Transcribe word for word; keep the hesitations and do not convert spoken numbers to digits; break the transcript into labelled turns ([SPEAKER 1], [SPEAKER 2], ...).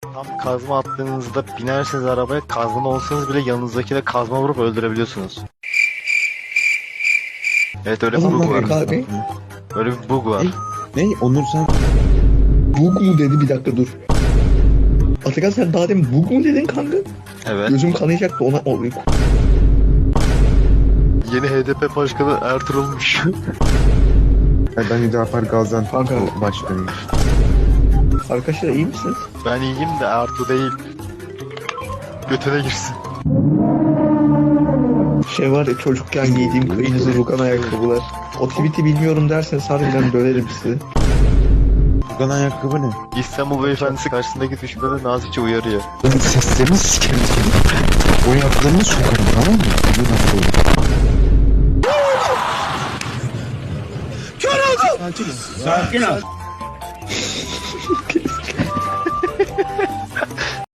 [SPEAKER 1] Tam kazma attığınızda binerseniz arabaya, kazma olsanız bile yanınızdakine kazma vurup öldürebiliyorsunuz. Evet, öyle bir
[SPEAKER 2] Allah
[SPEAKER 1] bug
[SPEAKER 2] Allah
[SPEAKER 1] var.
[SPEAKER 2] abi.
[SPEAKER 1] Öyle bir bug var.
[SPEAKER 2] Ne? Onur sen... Bug mu dedi, bir dakika dur. Atakan sen daha demin bug mu dedin kanka?
[SPEAKER 1] Evet.
[SPEAKER 2] Gözüm kanayacaktı ona. O...
[SPEAKER 1] Yeni H D P başkanı Ertuğrul'muş.
[SPEAKER 3] Ben Hüdapar Gaziantep
[SPEAKER 2] Kanka.
[SPEAKER 3] başkanıyım.
[SPEAKER 2] Arkadaşlar iyi misiniz?
[SPEAKER 1] Ben iyiyim de Ertuğ değil. Götüne girsin.
[SPEAKER 2] Şey var ya, çocukken giydiğim kırmızı rugan ayakkabılar. O tweet'i bilmiyorum derseniz harbiden döverim sizi.
[SPEAKER 3] Rugan ayakkabı ne?
[SPEAKER 1] İstanbul beyefendisi karşısındaki düşmanı nazikçe uyarıyor.
[SPEAKER 3] Ben seslerini sikerim seni. O ayaklarını sokarım, tamam mı?
[SPEAKER 4] Sakin ol.